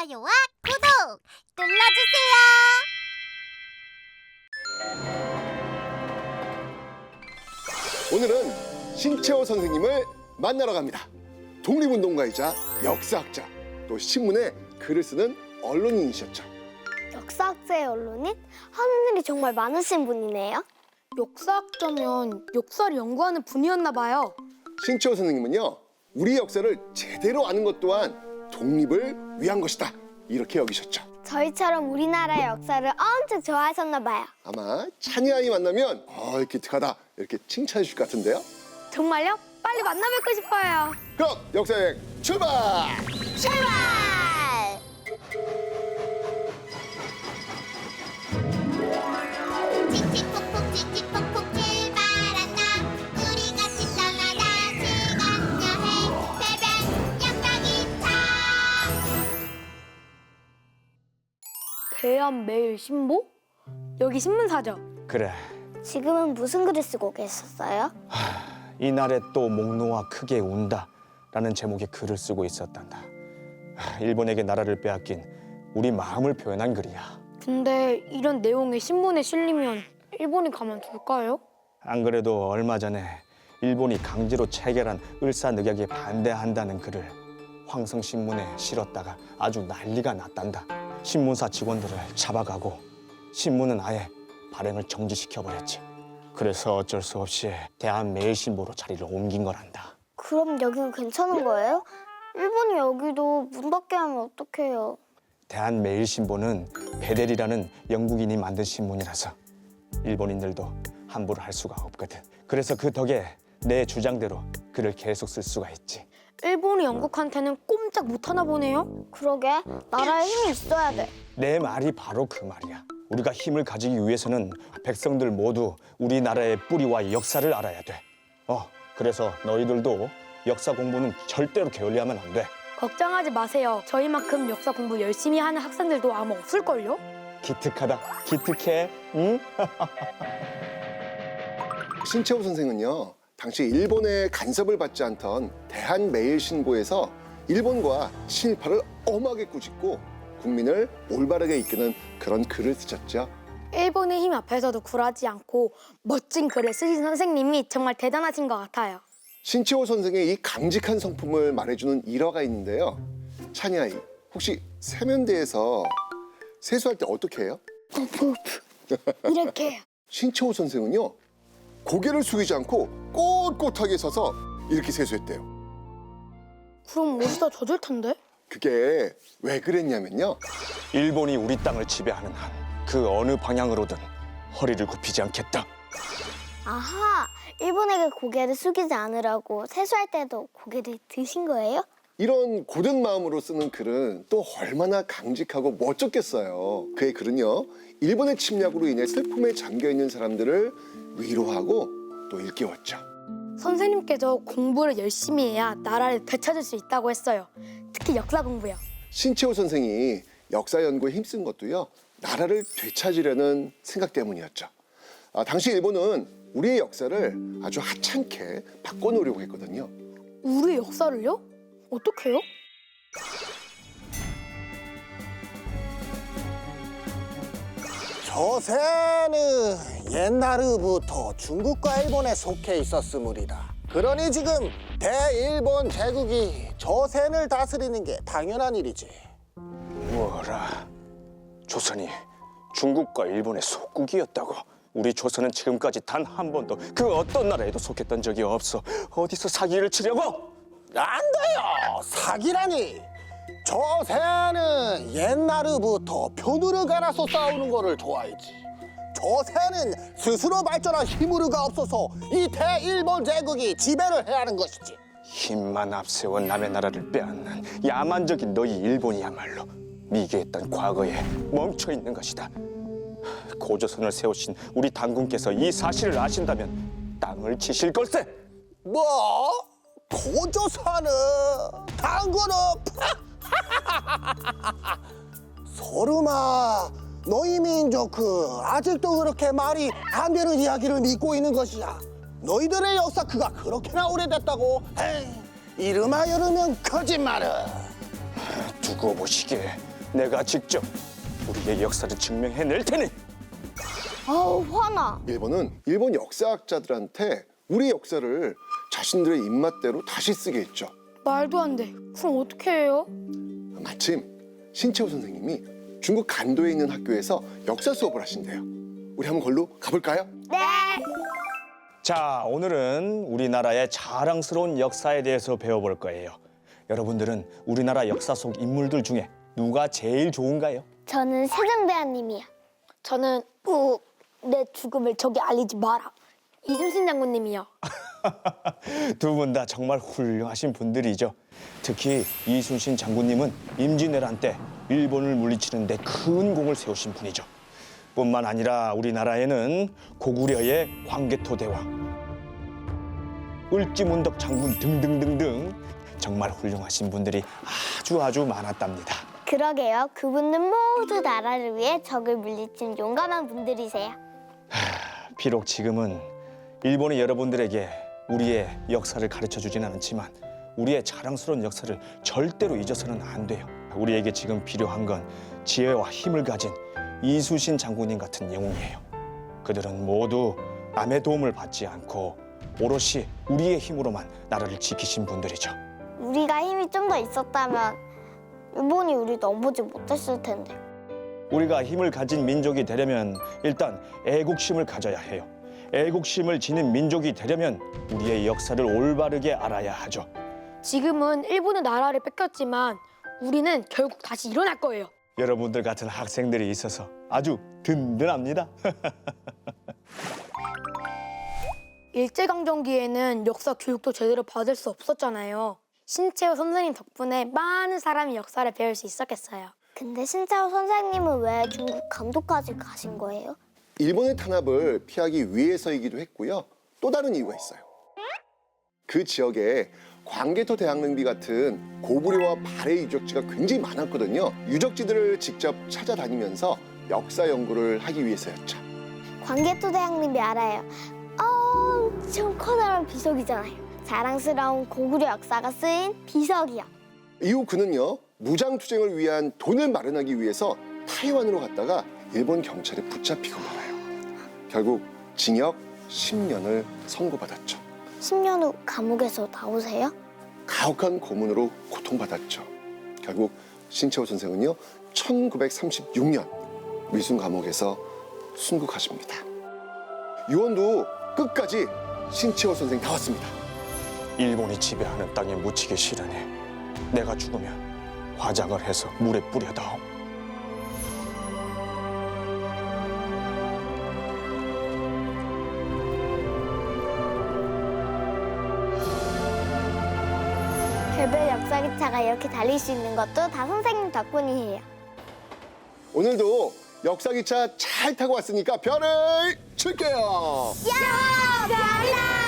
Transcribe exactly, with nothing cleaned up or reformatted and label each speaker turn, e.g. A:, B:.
A: 좋아요와 구독 눌러주세요.
B: 오늘은 신채호 선생님을 만나러 갑니다. 독립운동가이자 역사학자, 또 신문에 글을 쓰는 언론인이셨죠.
C: 역사학자의 언론인? 하는 일이 정말 많으신 분이네요.
D: 역사학자면 역사를 연구하는 분이었나 봐요.
B: 신채호 선생님은요, 우리 역사를 제대로 아는 것 또한 독립을 위한 것이다, 이렇게 여기셨죠.
C: 저희처럼 우리나라의 역사를 엄청 좋아하셨나 봐요.
B: 아마 찬이 아이 만나면 어, 기특하다 이렇게 칭찬해 주실 것 같은데요.
D: 정말요? 빨리 만나 뵙고 싶어요.
B: 그럼 역사여행 출발!
C: 출발!
A: 칙칙폭폭 칙칙폭폭 출발한다. 우리 같이 떠나다 시간 여행 배변 역사기차.
D: 대한매일신보? 여기 신문사죠?
E: 그래,
C: 지금은 무슨 글을 쓰고 계셨어요?
E: 이날에 또 목 놓아 크게 운다 라는 제목의 글을 쓰고 있었단다. 하, 일본에게 나라를 빼앗긴 우리 마음을 표현한 글이야.
D: 근데 이런 내용이 신문에 실리면 일본이 가만둘까요?
E: 안 그래도 얼마 전에 일본이 강제로 체결한 을사늑약에 반대한다는 글을 황성신문에 실었다가 아주 난리가 났단다. 신문사 직원들을 잡아가고 신문은 아예 발행을 정지시켜버렸지. 그래서 어쩔 수 없이 대한매일신보로 자리를 옮긴 거란다.
C: 그럼 여기는 괜찮은 거예요? 일본이 여기도 문 닫게 하면 어떡해요?
E: 대한매일신보는 베델이라는 영국인이 만든 신문이라서 일본인들도 함부로 할 수가 없거든. 그래서 그 덕에 내 주장대로 글을 계속 쓸 수가 있지.
D: 일본이 영국한테는 꼼짝 못하나 보네요?
C: 그러게, 나라에 힘이 있어야 돼.
E: 내 말이 바로 그 말이야. 우리가 힘을 가지기 위해서는 백성들 모두 우리나라의 뿌리와 역사를 알아야 돼. 어, 그래서 너희들도 역사 공부는 절대로 게을리하면 안 돼.
D: 걱정하지 마세요. 저희만큼 역사 공부 열심히 하는 학생들도 아마 없을걸요?
E: 기특하다. 기특해. 응?
B: 신채호 선생은요, 당시 일본의 간섭을 받지 않던 대한매일신보에서 일본과 친일파를 엄하게 꾸짖고 국민을 올바르게 이끄는 그런 글을 쓰셨죠.
D: 일본의 힘 앞에서도 굴하지 않고 멋진 글을 쓰신 선생님이 정말 대단하신 것 같아요.
B: 신채호 선생의 이 강직한 성품을 말해주는 일화가 있는데요. 찬이 아이, 혹시 세면대에서 세수할 때 어떻게 해요?
C: 이렇게.
B: 신채호 선생은요, 고개를 숙이지 않고 꼿꼿하게 서서 이렇게 세수했대요.
D: 그럼 옷이 다 젖을 텐데?
B: 그게 왜 그랬냐면요,
E: 일본이 우리 땅을 지배하는 한 그 어느 방향으로든 허리를 굽히지 않겠다.
C: 아하, 일본에게 고개를 숙이지 않으라고 세수할 때도 고개를 드신 거예요?
B: 이런 고든 마음으로 쓰는 글은 또 얼마나 강직하고 멋졌겠어요. 그의 글은요, 일본의 침략으로 인해 슬픔에 잠겨있는 사람들을 위로하고 또 일깨웠죠.
D: 선생님께서 공부를 열심히 해야 나라를 되찾을 수 있다고 했어요. 특히 역사 공부요.
B: 신채호 선생이 역사 연구에 힘쓴 것도요, 나라를 되찾으려는 생각 때문이었죠. 아, 당시 일본은 우리의 역사를 아주 하찮게 바꿔놓으려고 했거든요.
D: 우리 역사를요? 어떻게요?
F: 조선은 옛날부터 중국과 일본에 속해 있었으므리라. 그러니 지금 대일본 제국이 조선을 다스리는 게 당연한 일이지.
E: 뭐라? 조선이 중국과 일본의 속국이었다고? 우리 조선은 지금까지 단 한 번도 그 어떤 나라에도 속했던 적이 없어. 어디서 사기를 치려고?
F: 안 돼요! 사기라니! 조선은 옛날부터 표누를 갈아서 싸우는 거를 좋아했지. 조선은 스스로 발전한 힘으로가 없어서 이 대일본 제국이 지배를 해야 하는 것이지.
E: 힘만 앞세워 남의 나라를 빼앗는 야만적인 너희 일본이야말로 미개했던 과거에 멈춰 있는 것이다. 고조선을 세우신 우리 당군께서 이 사실을 아신다면 땅을 치실 걸세.
F: 뭐? 고조선은 당군은 소름아, 너희 민족 그 아직도 그렇게 말이 안 되는 이야기를 믿고 있는 것이야. 너희들의 역사 그가 그렇게나 오래됐다고? 에이, 이름하여르면 거짓말을.
E: 두고 보시게 내가 직접 우리의 역사를 증명해낼 테니.
C: 아우 화나.
B: 일본은 일본 역사학자들한테 우리 역사를 자신들의 입맛대로 다시 쓰게 했죠.
D: 말도 안 돼. 그럼 어떻게 해요?
B: 마침 신채호 선생님이 중국 간도에 있는 학교에서 역사 수업을 하신대요. 우리 한번 걸로 가볼까요?
C: 네.
E: 자, 오늘은 우리나라의 자랑스러운 역사에 대해서 배워볼 거예요. 여러분들은 우리나라 역사 속 인물들 중에 누가 제일 좋은가요?
C: 저는 세종대왕님이요.
D: 저는 우, 내 죽음을 저기 알리지 마라. 이순신 장군님이요.
E: 두 분 다 정말 훌륭하신 분들이죠. 특히 이순신 장군님은 임진왜란 때 일본을 물리치는 데 큰 공을 세우신 분이죠. 뿐만 아니라 우리나라에는 고구려의 광개토대왕, 을지문덕 장군 등등등등 정말 훌륭하신 분들이 아주 아주 많았답니다.
C: 그러게요. 그분들 모두 나라를 위해 적을 물리친 용감한 분들이세요.
E: 비록 지금은 일본이 여러분들에게 우리의 역사를 가르쳐주지는 않지만 우리의 자랑스러운 역사를 절대로 잊어서는 안 돼요. 우리에게 지금 필요한 건 지혜와 힘을 가진 이순신 장군님 같은 영웅이에요. 그들은 모두 남의 도움을 받지 않고 오롯이 우리의 힘으로만 나라를 지키신 분들이죠.
C: 우리가 힘이 좀 더 있었다면 일본이 우리 넘보지 못했을 텐데.
E: 우리가 힘을 가진 민족이 되려면 일단 애국심을 가져야 해요. 애국심을 지닌 민족이 되려면 우리의 역사를 올바르게 알아야 하죠.
D: 지금은 일본은 나라를 뺏겼지만 우리는 결국 다시 일어날 거예요.
E: 여러분들 같은 학생들이 있어서 아주 든든합니다.
D: 일제강점기에는 역사 교육도 제대로 받을 수 없었잖아요. 신채호 선생님 덕분에 많은 사람이 역사를 배울 수 있었겠어요.
C: 근데 신짜오 선생님은 왜 중국 감독까지 가신 거예요?
B: 일본의 탄압을 피하기 위해서이기도 했고요. 또 다른 이유가 있어요. 그 지역에 광개토 대왕릉비 같은 고구려와 발해 유적지가 굉장히 많았거든요. 유적지들을 직접 찾아다니면서 역사 연구를 하기 위해서였죠.
C: 광개토대왕님이 알아요. 엄청 커다란 비석이잖아요. 자랑스러운 고구려 역사가 쓰인 비석이요.
B: 이후 그는요, 무장투쟁을 위한 돈을 마련하기 위해서 타이완으로 갔다가 일본 경찰에 붙잡히고 말아요. 결국 징역 십 년을 선고받았죠.
C: 십 년 후 감옥에서 나오세요?
B: 가혹한 고문으로 고통받았죠. 결국 신채호 선생은요, 천구백삼십육 년 미순 감옥에서 순국하십니다. 유언도 끝까지 신채호 선생 나왔습니다.
E: 일본이 지배하는 땅에 묻히기 싫으니 내가 죽으면 화장을 해서 물에 뿌려다오.
C: 별별 역사기차가 이렇게 달릴 수 있는 것도 다 선생님 덕분이에요.
B: 오늘도 역사기차 잘 타고 왔으니까 별을 줄게요.
C: 야, 별아!